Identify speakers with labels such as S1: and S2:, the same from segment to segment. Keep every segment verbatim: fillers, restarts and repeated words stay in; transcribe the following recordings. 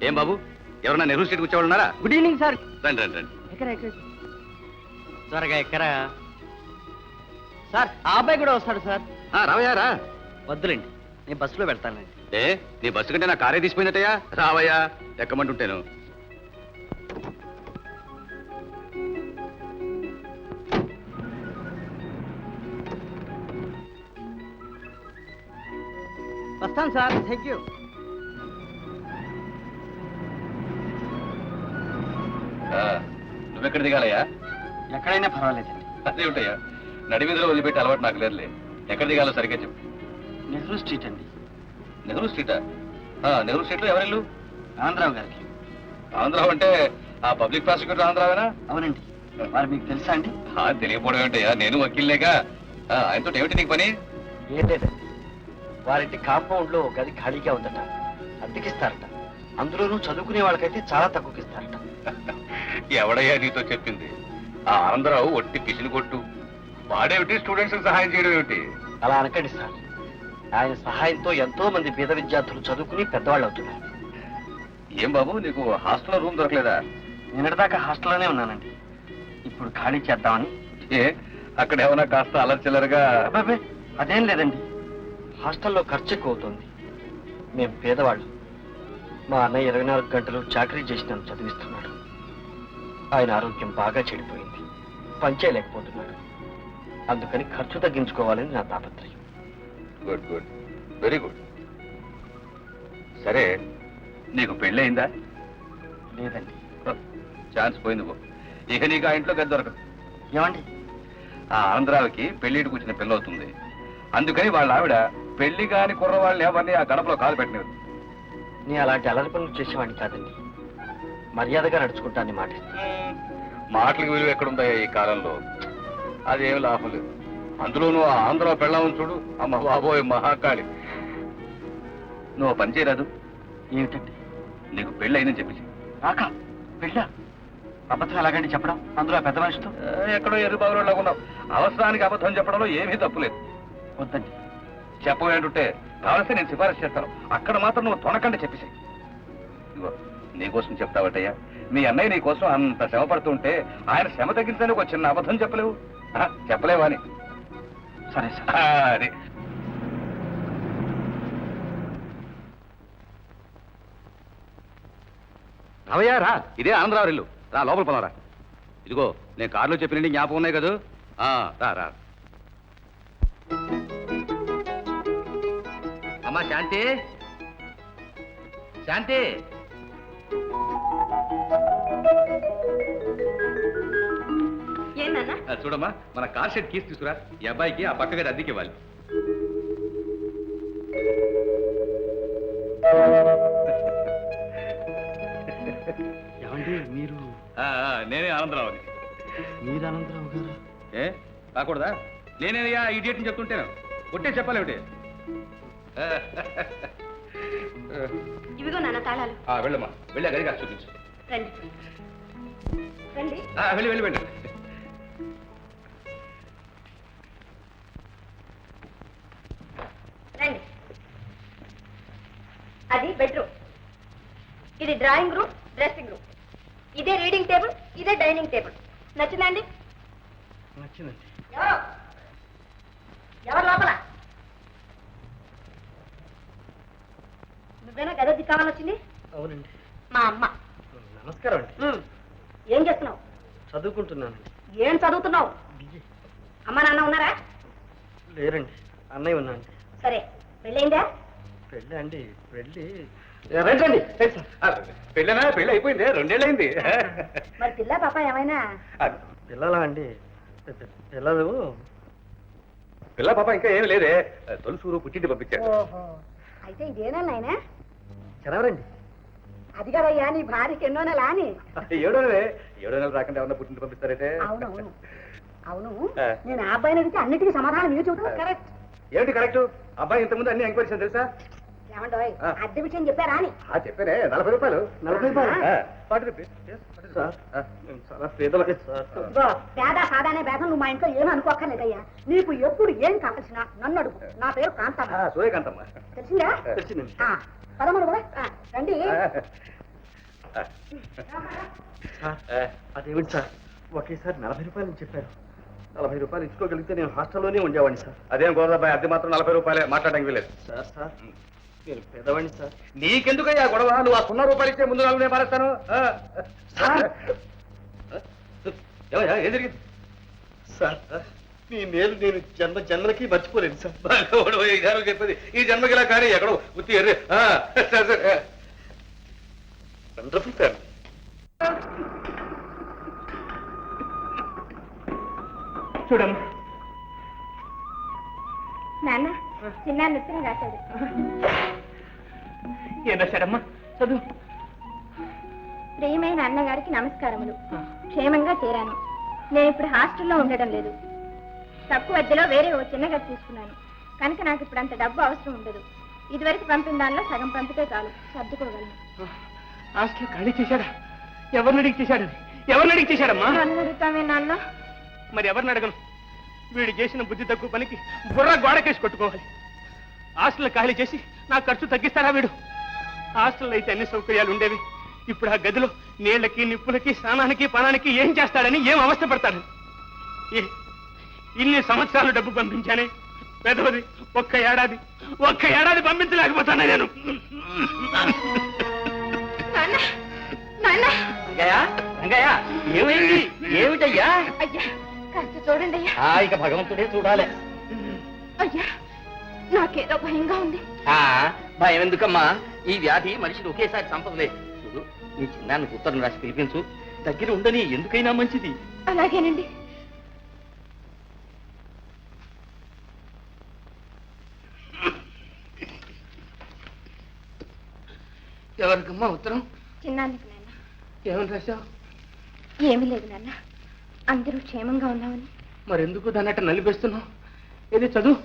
S1: ఏం బాబు, ఎవరన్నా నెహ్రూ స్ట్రీట్కి వచ్చేవాళ్ళు ఉన్నారా?
S2: Good evening sir.
S1: రండి రండి రండి.
S2: ఎక్కరా ఎక్కడ త్వరగా ఎక్కరా సార్. ఆ అబ్బాయి కూడా వస్తాడు సార్.
S1: రావయ్యా రా.
S2: వద్దులేండి, నేను బస్సులో వెళ్తానండి.
S1: ఏ నీ బస్సు కంటే నా కారే తీసిపోయిందటయ్యా. రావయ్యా, ఎక్కమంటుంటాను.
S2: వస్తాను సార్. Thank you.
S1: నువ్వెక్కడ దిగాలయ్యా?
S2: ఎక్కడైనా పర్వాలేదండి.
S1: అదే ఉంటాయా, నడి వీధిలో వదిలిపెట్టి అలవాటు నాకు లేదులే. ఎక్కడ దిగాలో సరిగ్గా చెప్పు.
S2: నెహ్రూ స్ట్రీట్ అండి.
S1: నెహ్రూ స్ట్రీటా? నెహ్రూ స్ట్రీట్లో ఎవరిల్లు?
S2: ఆంధ్రావు గారికి.
S1: ఆంధ్రావు అంటే ఆ పబ్లిక్ ప్రాసిక్యూటర్ ఆంధ్రావేనా?
S2: అవునండి. మరి మీకు తెలుసా అండి?
S1: తెలియకపోవడం ఏంటయ్యా, నేను వకీల్లేగా. ఆయనతో ఏమిటి నీకు పని?
S2: ఏం లేదండి, వారింటి కాంపౌండ్ లో గది ఖాళీగా ఉందట, అద్దెకిస్తారట. అందులోనూ చదువుకునే వాళ్ళకైతే చాలా తక్కువకిస్తారట.
S1: ఎవడయ్యా నీతో చెప్పింది? ఆ ఆంధ్రావు ఒట్టి పిసిని కొట్టు. వాడేమిటి స్టూడెంట్స్ సహాయం చేయడం ఏమిటి?
S2: అలా అనకండి సార్. ఆయన సహాయంతో ఎంతో మంది పేద విద్యార్థులు చదువుకుని పెద్దవాళ్ళు అవుతున్నారు.
S1: ఏం బాబు, నీకు హాస్టల్లో రూమ్ దొరకలేదా?
S2: నిన్నటిదాకా హాస్టల్లోనే ఉన్నానండి. ఇప్పుడు ఖాళీ చేద్దామని.
S1: ఏ అక్కడ ఏమన్నా కాస్త అలర్చిల్లరుగా?
S2: అబ్బాబే అదేం లేదండి, హాస్టల్లో ఖర్చు ఎక్కువ అవుతుంది. మేము పేదవాళ్ళు. మా అన్నయ్య ఇరవై నాలుగు గంటలు చాకరీ చేసి నన్ను చదివిస్తున్నాడు. ఆయన ఆరోగ్యం బాగా చెడిపోయింది, పనిచేయలేకపోతున్నాడు. అందుకని ఖర్చు తగ్గించుకోవాలని నా తాపత్రయం.
S1: Good good, very good. సరే, నీకు పెళ్ళి అయిందా?
S2: లేదండి.
S1: ఛాన్స్ పోయింది పో. ఇక నీకు ఆ ఇంట్లో గది దొరకదు.
S2: ఏమండి?
S1: ఆ ఆంధ్రావికి పెళ్లికి కూర్చున్న పిల్ల అవుతుంది. అందుకని వాళ్ళ ఆవిడ పెళ్లి కాని కుర్రవాళ్ళని ఎవరిని ఆ గడపలో కాలు పెట్టలేదు.
S2: నీ అలాంటి అలరి పనులు చేసేవాడిని కాదండి. మర్యాదగా నడుచుకుంటానని మాట.
S1: మాటలకు విలువ ఎక్కడుందాయా ఈ కాలంలో? అదేం లాభం లేదు. అందులోనూ ఆ ఆంధ్ర పెళ్ళామని చూడు, అమ్మ బాబోయ్ మహాకాళి. నువ్వు పని చేయరాదు.
S2: ఏమిటండి?
S1: నీకు పెళ్ళి అయిందని చెప్పేసి.
S2: నాకా పెళ్ళా? అబద్ధం ఎలాగండి చెప్పడం, అందులో పెద్ద మనిషితో?
S1: ఎక్కడో ఎర్రి బాగులో ఉన్నావు. అవసరానికి అబద్ధం చెప్పడంలో ఏమీ తప్పులేదు.
S2: వద్దండి.
S1: చెప్పబోయేంటుంటే కావలసి నేను సిఫారసు చేస్తాను. అక్కడ మాత్రం నువ్వు తొనకండి చెప్పేసి. ఇదిగో నీకోసం చెప్తావటయ్యా. మీ అన్నయ్య నీ కోసం అంత శ్రమ పడుతుంటే ఆయన శ్రమ తగ్గించడానికి ఒక చిన్న అబద్ధం చెప్పలేవు? చెప్పలేవా అని?
S2: సరే సార్.
S1: అది రావయ్యా రా. ఇదే ఆంధ్రావు ఇల్లు. రా లోపల పోనరా. ఇదిగో నేను కారులో చెప్పినండి జ్ఞాపకం ఉన్నాయి కదా. రా రా. అమ్మా శాంతి, శాంతి. చూడమ్మా, మన కార్ షెడ్ కీస్ తీసుకురా. ఈ అబ్బాయికి ఆ పక్క గది అద్దెకి ఇవ్వాలి.
S2: ఏమండి మీరు?
S1: నేనే ఆనందరావు అని.
S2: మీరు ఆనందరావు గారు?
S1: ఏ కాకూడదా? నేనేనయ్యా ఇడియట్ అని చెప్తుంటేను. కొట్టే చెప్పాలి ఏమిటి?
S3: ఇవిగో నాన్న తాళాలు.
S1: వెళ్ళమ్మా, వెళ్ళా గదిగా చూపించు.
S3: రండి రండి.
S1: వెళ్ళి వెళ్ళి వెళ్ళి.
S3: రండి. అది బెడ్రూమ్, ఇది డ్రాయింగ్ రూమ్, డ్రెస్సింగ్ రూమ్. ఇదే రీడింగ్ టేబుల్, ఇదే డైనింగ్ టేబుల్. నచ్చిందండి?
S2: నచ్చిందండి.
S3: ఎవరు ఎవరు లోపల? నువ్వేనా గది కావాలని వచ్చింది?
S2: అవునండి.
S3: మా అమ్మ.
S2: నమస్కారం అండి.
S3: ఏం చేస్తున్నావు?
S2: చదువుకుంటున్నానండి.
S3: ఏం చదువుతున్నావు? అమ్మ నాన్న ఉన్నారా?
S2: లేరండి, అన్నయ్య ఉన్నాండి.
S3: సరే, పెళ్ళయిందా?
S2: పెళ్ళి అండి, పెళ్ళి
S1: రండి. పెళ్ళనా? పెళ్ళి అయిపోయింది, రెండేళ్ళు అయింది.
S3: మరి పిల్ల పాప ఏమైనా?
S2: పిల్లలా అండి? పిల్లలు
S1: పిల్ల పాప ఇంకా ఏమి లేదే. తొలుసూరు పుట్టింటి పంపించారు.
S3: ఓహో, అయితే ఇదేనా నాయనా?
S2: చదవరండి.
S3: అది కదయ్యా నీ భార్యకి ఎన్నో నెల అని.
S1: ఏడో నెలే. ఏడో నెలలు రాకుండా ఏమన్నా పుట్టింటి పంపిస్తారైతే?
S3: అవునవును అవును. నేను ఆ అబ్బాయిని అడిగితే అన్నిటికీ సమాధానం మీరు చెబుతావు. కరెక్ట్.
S1: ఏమిటి కరెక్ట్? అబ్బాయి ఇంతకుముందు అన్ని ఎంక్వైరీస్ తెలుసా?
S3: ఏమంటావు? అద్దె విషయం చెప్పారా అని?
S1: చెప్పానే. నలభై రూపాయలు.
S2: నలభై రూపాయలు
S1: ఫార్టీ రూపీస్.
S2: చాలా పేదలకి సార్.
S3: పేద సాదానే భేదం నువ్వు మా ఇంట్లో ఏమీ అనుకోక్కర్లేదయ్యా. నీకు ఎప్పుడు ఏం కావాల్సినా నన్ను అడుగు. నా పేరు కాంతమ్మ.
S1: సూర్యకాంతమ్మ.
S3: తెలిసిందా?
S2: తెలిసిందండి.
S3: పదమూడు కదా రండి.
S2: సార్ అదేమిటి సార్ ఒకేసారి నలభై రూపాయలు చెప్పారు. నలభై రూపాయలు ఇచ్చుకోగలిగితే నేను హాస్టల్లోనే ఉండేవాడిని సార్.
S1: అదేం గోదాబాయ్, అది మాత్రం నలభై రూపాయలే, మాట్లాడడానికి వీలేదు.
S2: సార్ సార్ నేను పేదవాడిని సార్.
S1: నీకెందుకయ్యా గొడవ? నువ్వు ఆ సున్నా రూపాయలు ఇచ్చే ముందు నాలుగు నేను పారేస్తాను.
S2: సార్
S1: ఏమయ్యా, ఏం జరిగింది?
S2: సార్ మీ మేలు నేను జన్మ జన్మలకి మర్చిపోలేను సార్.
S1: భగవాడు ఈ గారు చెప్పేది ఈ జన్మకి ఇలా కానీ ఎక్కడో ఉత్తి ఎర్రే. సరే సరే,
S2: వండర్ఫుల్ ఫ్యామిలీ. చూడమ్మా.
S3: నాన్న చిన్న ఉత్తరం రాశాడు.
S2: ఏం రాశాడమ్మా? చదువు.
S3: ప్రియమైన అన్నగారికి నమస్కారములు. క్షేమంగా చేరాను. నేను ఇప్పుడు హాస్టల్లో ఉండడం లేదు. తక్కువ అద్దెలో వేరే ఓ చిన్న గది తీసుకున్నాను కనుక నాకు ఇప్పుడు అంత డబ్బు అవసరం ఉండదు. ఇదివరకు పంపిన దానిలో సగం పంపితే చాలు, సర్దుకోగలను.
S2: హాస్టల్ ఖాళీ చేశాడా? ఎవరిని అడిగి చేశాడు? ఎవరిని అడిగి చేశాడమ్మా?
S3: నన్ను అడుగుతామే నాన్న.
S2: మరి ఎవరిని అడగను? వీడు చేసిన బుద్ధి తక్కువ పనికి బుర్ర గోడకేసి కొట్టుకోవాలి. హాస్టల్ ఖాళీ చేసి నా ఖర్చు తగ్గిస్తాడా వీడు? హాస్టల్లో అయితే అన్ని సౌకర్యాలు ఉండేవి. ఇప్పుడు ఆ గదిలో నీళ్లకి నిప్పులకి స్నానానికి పానానికి ఏం చేస్తాడని ఏం అవస్థ పడతాడు? ఇన్ని సంవత్సరాలు డబ్బు పంపించానే పెదవది ఒక్క ఏడాది ఒక్క ఏడాది పంపించలేకపోతానే నేను. ఏమైంది? ఏమిటయ్యా?
S3: అయ్యా కాస్త చూడండి అయ్యా.
S2: ఇక భగవంతుడే చూడాలి.
S3: అయ్యా నాకేదో భయంగా ఉంది.
S2: భయం ఎందుకమ్మా? ఈ వ్యాధి మనిషిని ఒకేసారి చంపదులే. చూడు, నీ చిన్నానికి ఉత్తరం రాసి పిలిపించు. దగ్గర ఉండని, ఎందుకైనా మంచిది.
S3: అలాగేనండి.
S2: ఎవరికమ్మా ఉత్తరం?
S3: చిన్నానికి నాన్న.
S2: ఏమని రాశావు?
S3: ఏమీ లేదు నాన్న, అందరూ క్షేమంగా ఉన్నామని.
S2: మరెందుకు దాన్ని అట్ట నలిపేస్తున్నావు? ఏది చదువు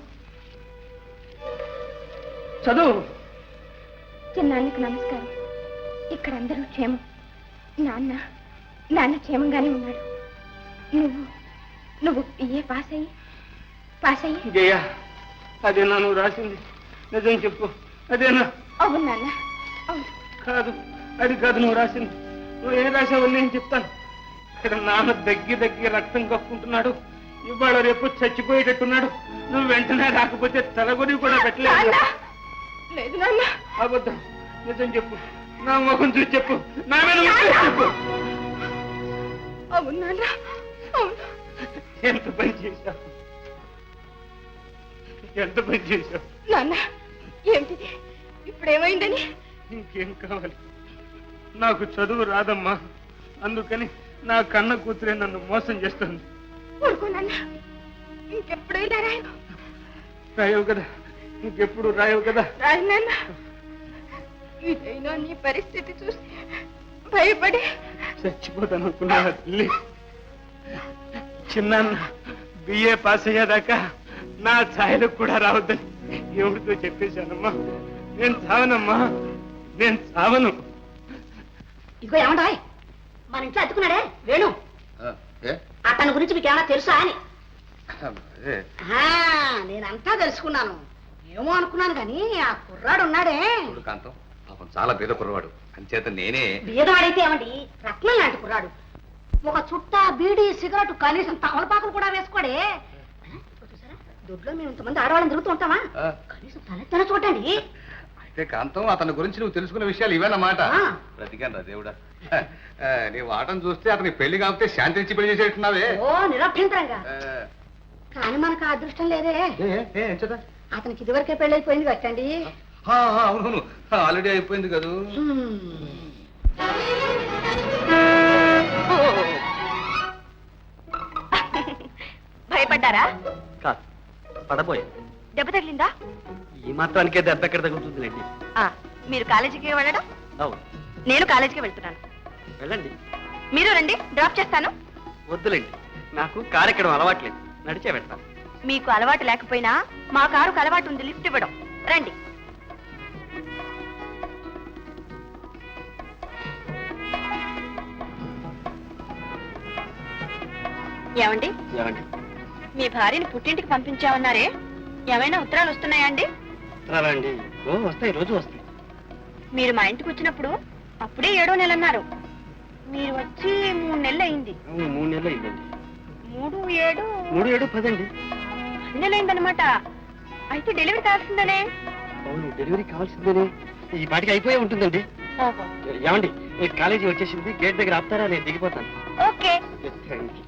S2: చదువు.
S3: చిన్నానికి నమస్కారం. ఇక్కడ అందరూ క్షేమం. నాన్న నాన్న క్షేమంగానే ఉన్నాడు. నువ్వు నువ్వు ఏ పాస్ అయ్యి పాస్ అయ్యి
S2: జయ, అదేనా నువ్వు రాసింది? నిజం చెప్పు, అదేనా?
S3: అవును నాన్న, అవును.
S2: కాదు, అది కాదు నువ్వు రాసింది. నువ్వు ఏం రాసావు నేను చెప్తాను. ఇక్కడ నాన్న దగ్గి దగ్గి రక్తం కప్పుకుంటున్నాడు. ఇవాళ రేపు చచ్చిపోయేటట్టున్నాడు. నువ్వు వెంటనే రాకపోతే తలగొని కూడా పెట్టలేదు.
S3: లేదు నాన్న.
S2: అబద్ధం. నిజం చెప్పు, నా ముఖం చూసి చెప్పు, నా మీద ముఖం చెప్పు.
S3: అవును నాన్న, అవును.
S2: ఎంత పని చేశావు, ఎంత పని చేశావు
S3: నాన్న. ఏమిటిది ఇప్పుడు ఏమైందని?
S2: ఇంకేం కావాలి? నాకు చదువు రాదమ్మా, అందుకని నా కన్న కూతురే నన్ను మోసం చేస్తుంది.
S3: ఊరుకో నాన్న, ఇంకెప్పుడు ఇలా రాయను.
S2: రాయవు కదా, ఇంకెప్పుడు రాయవు కదా.
S3: రాయి నాన్న. ఇదైనా నీ పరిస్థితి చూసి భయపడి
S2: చచ్చిపోతాను అనుకున్నా తల్లి. చిన్న బిఏ పాస్ అయ్యేదాకా నా ఛాయలకు కూడా రావద్దని ఎవరితో చెప్పేశానమ్మా. నేను చావనమ్మా, నేను చావను.
S4: ఇదిగో ఏమంటాయ్, మన ఇంట్లో అతుకున్నాడే వేణు, అతని గురించి మీకు ఏమైనా తెలుసా అని. నేనంతా తెలుసుకున్నాను. ఏమో అనుకున్నాను కానీ ఆ కుర్రాడు ఉన్నాడే
S1: కాంతం, పాపం చాలా పేద కుర్రవాడు. అంచేత నేనే.
S4: బీదవాడైతే ఏమండి, రత్నం లాంటి కుర్రాడు. ఒక చుట్ట బీడి సిగరెట్ కనీసం తమలపాకులు కూడా వేసుకోడే. చూసారా, దొడ్లో మేము ఇంతమంది ఆడవాళ్ళని తిరుగుతూ ఉంటామా? కనీసం తలెత్తన చూడండి.
S1: అయితే కాంతం, అతని గురించి నువ్వు తెలుసుకున్న విషయాలు ఇవేనమాట. బ్రతికాను రా దేవుడా. నీ వాటం చూస్తే అతనికి పెళ్లి కాకపోతే శాంతి ఇచ్చి పెళ్లి చేసేట్టున్నావే.
S4: ఓ నిరభ్యంతరంగా. కానీ మనకు ఆ అదృష్టం లేదే. అతనికి ఇదివరకే పెళ్ళైపోయింది కట్టండి.
S1: అవును, ఆల్రెడీ అయిపోయింది కదా.
S3: భయపడ్డారా?
S2: కాదు, పడబోయే.
S3: దెబ్బ తగిలిందా?
S2: ఈ మాత్రానికే దెబ్బ ఎక్కడ తగ్గుతుందిలేండి.
S3: మీరు కాలేజీకి వెళ్ళడం,
S2: అవును,
S3: నేను కాలేజీకి వెళ్తున్నాను.
S2: వెళ్ళండి.
S3: మీరు రండి, డ్రాప్ చేస్తాను.
S2: వద్దులేండి, నాకు కారు ఎక్కడం అలవాట్లేదు, నడిచే వెళ్తాను.
S3: మీకు అలవాటు లేకపోయినా మా కారుకు అలవాటు ఉంది, లిఫ్ట్ ఇవ్వడం. రండి. ఏమండి,
S2: ఏమండి?
S3: మీ భార్యని పుట్టింటికి పంపించామన్నారే, ఏమైనా ఉత్తరాలు వస్తున్నాయా అండి?
S2: ఉత్తరాలండి? ఓ వస్తాయి, రోజు వస్తాయి.
S3: మీరు మా ఇంటికి వచ్చినప్పుడు అప్పుడే ఏడో నెల అన్నారు. మీరు వచ్చి మూడు నెలలు అయింది.
S2: అవును, మూడు నెలలు అయిందండి.
S3: మూడు ఏడు
S2: మూడు ఏడు పదండి.
S3: పది నెలలు అయిందనమాట. అయితే డెలివరీ కావాల్సిందనే.
S2: అవును, డెలివరీ కావాల్సిందేనే. ఈ పాటికి అయిపోయి ఉంటుందండి.
S3: ఓహో,
S2: ఏమండి, ఈ కాలేజీ వచ్చేసింది, గేట్ దగ్గర ఆపుతారా? నేను దిగిపోతాను.
S3: ఓకే.
S2: Thank you.